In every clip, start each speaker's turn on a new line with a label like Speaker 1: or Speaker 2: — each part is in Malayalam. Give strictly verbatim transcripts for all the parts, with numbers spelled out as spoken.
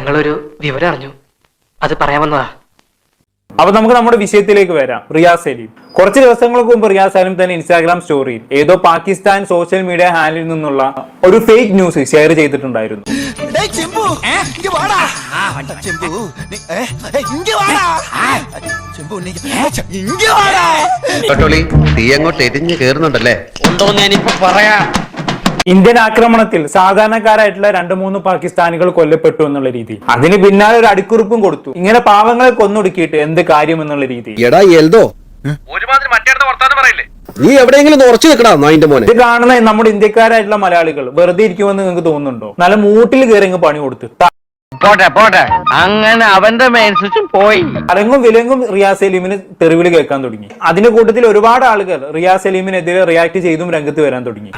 Speaker 1: ഞങ്ങളൊരു വിവരം അറിഞ്ഞു, അത് പറയാമെന്നതാ.
Speaker 2: അപ്പൊ നമുക്ക് നമ്മുടെ വിഷയത്തിലേക്ക് വരാം. റിയാസ് സലീം കുറച്ച് ദിവസങ്ങൾക്ക് മുമ്പ് റിയാസ് സലീം തന്നെ ഇൻസ്റ്റാഗ്രാം സ്റ്റോറിയിൽ ഏതോ പാകിസ്ഥാൻ സോഷ്യൽ മീഡിയ ഹാൻഡിൽ നിന്നുള്ള ഒരു ഫേക്ക് ന്യൂസ് ഷെയർ ചെയ്തിട്ടുണ്ടായിരുന്നു. ഇന്ത്യൻ ആക്രമണത്തിൽ സാധാരണക്കാരായിട്ടുള്ള രണ്ടു മൂന്ന് പാകിസ്ഥാനികൾ കൊല്ലപ്പെട്ടു എന്നുള്ള രീതി, അതിന് പിന്നാലെ ഒരു അടിക്കുറിപ്പും കൊടുത്തു. ഇങ്ങനെ പാവങ്ങളെ കൊന്നൊടുക്കിയിട്ട് എന്ത് കാര്യം എന്നുള്ള രീതി.
Speaker 3: നീ എവിടെയെങ്കിലും ഉറച്ചു നിൽക്കണം നായിന്റെ മോനെ.
Speaker 2: ഇത് കാണുന്ന നമ്മുടെ ഇന്ത്യക്കാരായിട്ടുള്ള മലയാളികൾ വെറുതെ ഇരിക്കുമെന്ന് നിങ്ങൾക്ക് തോന്നുന്നുണ്ടോ? നല്ല മൂട്ടിൽ കയറി പണി കൊടുത്ത്
Speaker 4: പോട്ടെ പോട്ടെ അങ്ങനെ അവന്റെ മേൻസും പോയി.
Speaker 2: അലങ്ങും വിലങ്ങും റിയാസ് സലീമിന് തെറിവിളി കേൾക്കാൻ തുടങ്ങി. അതിന്റെ കൂട്ടത്തിൽ ഒരുപാട് ആളുകൾ റിയാസ് സലീമിനെതിരെ റിയാക്ട് ചെയ്തും രംഗത്ത് വരാൻ തുടങ്ങി.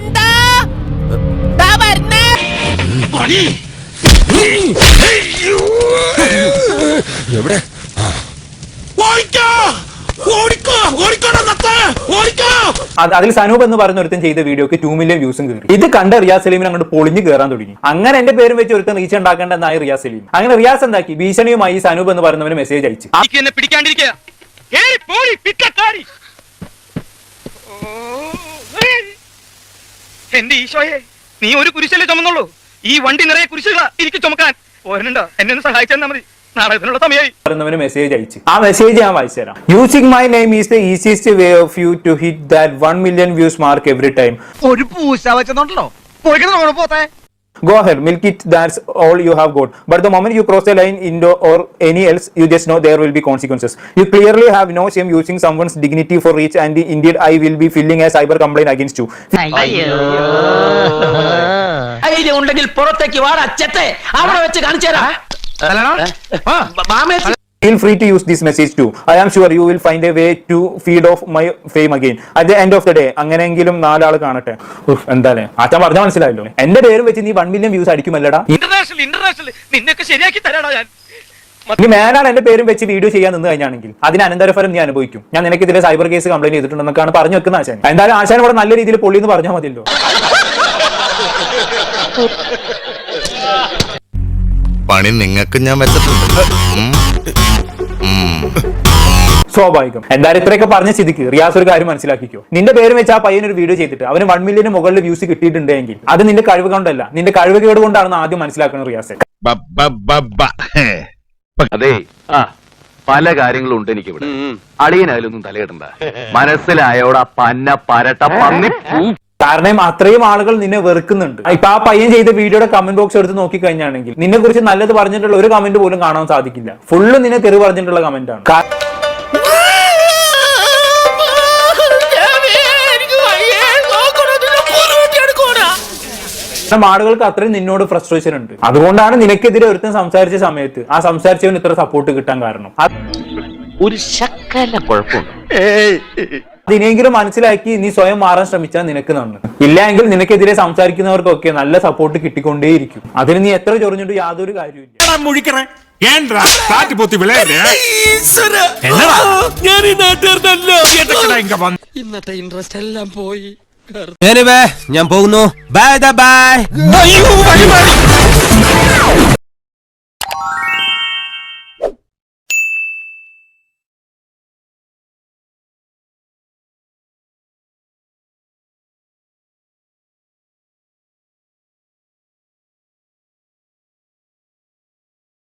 Speaker 2: അതിൽ സനൂപ് എന്ന് പറയുന്ന ഒരുത്തൻ ചെയ്ത വീഡിയോക്ക് ടു മില്യൺ വ്യൂസും കയറി. ഇത് കണ്ട റിയാസ് സലീമിന് അങ്ങോട്ട് പൊളിഞ്ഞു കയറാൻ തുടങ്ങി. അങ്ങനെ എന്റെ പേരും വെച്ച് ഒരുത്തൻ റീച്ച് ഉണ്ടാക്കേണ്ടെന്നായി റിയാസ് സലീം. അങ്ങനെ റിയാസ് എന്താക്കി, ഭീഷണിയുമായി സനൂപ് എന്ന് പറയുന്നവന് മെസ്സേജ് അയച്ചു.
Speaker 5: എന്റെ ഈശോയെ, നീ ഒരു കുരിശല്ലേ ചുമന്നുള്ളൂ, ഈ വണ്ടി നിറയെ കുരിശുകളാ എനിക്ക് ചുമക്കാൻ. പോരണ്ടോ, എന്നെ ഒന്ന് സഹായിച്ചാൽ മതി, നാളെ സമയമായി.
Speaker 2: മെസ്സേജ് അയച്ചു. ആ മെസ്സേജ് ഞാൻ വായിച്ചു തരാം. Using my name is the easiest way of you to hit that one million views mark every time.
Speaker 5: ഒരു പൂശ വെച്ചോ പോത്തെ.
Speaker 2: Go ahead, milk it. That's all you have got. But the moment you cross the line into or any else, you just know there will be consequences. You clearly have no shame using someone's dignity for reach, and indeed, I will be filing a cyber complaint against you.
Speaker 1: ധൈര്യം ഉണ്ടെങ്കിൽ പുറത്തേക്ക് വാടാ ചെത്തെ, അവിടെ വെച്ച് കാണിച്ചു തരാം.
Speaker 2: Feel free to use this message too. I am sure you will find a way to feed off my fame again. At the end of the day, അങ്ങനെയെങ്കിലും നാലാൾ കാണട്ടെ. എന്തായാലും ആച്ചാൻ പറഞ്ഞാൽ മനസ്സിലായല്ലോ. എന്റെ പേരും വെച്ച് നീ വൺ മില്യൺ വ്യൂസ് അടിക്കുമല്ലടാ.
Speaker 5: ഇന്റർനാഷണൽ ഇന്റർനാഷണൽ നിന്നൊക്കെ ശരിയാക്കി തരാടാ ഞാൻ.
Speaker 2: നീ മേലാണ് എന്റെ പേരും വെച്ച് വീഡിയോ ചെയ്യാൻ നിന്ന് കഴിഞ്ഞാണെങ്കിൽ അതിന് അനന്തരഫലം നീ അനുഭവിക്കും. ഞാൻ നിനക്ക് ഇതിലെ സൈബർ കേസ് കംപ്ലൈന്റ് ചെയ്തിട്ടുണ്ടെന്നൊക്കെയാണ് പറഞ്ഞു വെക്കുന്ന ആശാൻ. എന്തായാലും ആശാൻ ഇവിടെ നല്ല രീതിയിൽ പൊള്ളി എന്ന് പറഞ്ഞാൽ മതിയല്ലോ.
Speaker 6: പണി നിങ്ങൾക്ക് ഞാൻ വെച്ചിട്ടുണ്ട്.
Speaker 2: സ്വാഭാവികം. എന്തായാലും ഇത്രയൊക്കെ പറഞ്ഞ സ്ഥിതിക്ക് റിയാസ് ഒരു കാര്യം മനസ്സിലാക്കിക്കോ. നിന്റെ പേര് വെച്ച് ആ പയ്യൻ ഒരു വീഡിയോ ചെയ്തിട്ട് അവന് വൺ മില്യന് മുകളിൽ വ്യൂസ് കിട്ടിയിട്ടുണ്ടെങ്കിൽ അത് നിന്റെ കഴിവ് കൊണ്ടല്ല, നിന്റെ കഴിവ് കേട് കൊണ്ടാണെന്ന് ആദ്യം മനസ്സിലാക്കണം റിയാസ്.
Speaker 4: അതെ, പല കാര്യങ്ങളും ഉണ്ട് എനിക്ക് ഇവിടെ. അളിയനായാലൊന്നും തലയിടണ്ട, മനസ്സിലായോടാ പന്ന പരട്ട പന്നി.
Speaker 2: കാരണം അത്രയും ആളുകൾ നിന്നെ വെറുക്കുന്നുണ്ട്. ഇപ്പൊ ആ പയ്യൻ ചെയ്ത വീഡിയോയുടെ കമന്റ് ബോക്സ് എടുത്ത് നോക്കി കഴിഞ്ഞാണെങ്കിൽ നിന്നെ കുറിച്ച് നല്ലത് പറഞ്ഞിട്ടുള്ള ഒരു കമന്റ് പോലും കാണാൻ സാധിക്കില്ല. ഫുള്ള് നിന്നെ തെറി പറഞ്ഞിട്ടുള്ള കമന്റ് ആണ്. ആളുകൾക്ക് അത്രയും നിന്നോട് ഫ്രസ്ട്രേഷൻ ഉണ്ട്. അതുകൊണ്ടാണ് നിനക്കെതിരെ ഒരുത്തൻ സംസാരിച്ച സമയത്ത് ആ സംസാരിച്ചവന് ഇത്ര സപ്പോർട്ട് കിട്ടാൻ കാരണം.
Speaker 4: ഒരു ശക്കല കുഴപ്പമുണ്ട്.
Speaker 2: അതിനെങ്കിലും മനസ്സിലാക്കി നീ സ്വയം മാറാൻ ശ്രമിച്ചാൽ നിനക്ക് നന്ന്. ഇല്ലെങ്കിൽ നിനക്കെതിരെ സംസാരിക്കുന്നവർക്കൊക്കെ നല്ല സപ്പോർട്ട് കിട്ടിക്കൊണ്ടേയിരിക്കും. അതിന് നീ എത്ര ചൊറിഞ്ഞിട്ട് യാതൊരു കാര്യമില്ല.
Speaker 1: ഇന്നത്തെ ഇൻട്രസ്റ്റ് എല്ലാം പോയി.
Speaker 3: ഞാൻ പോകുന്നു. Bye by.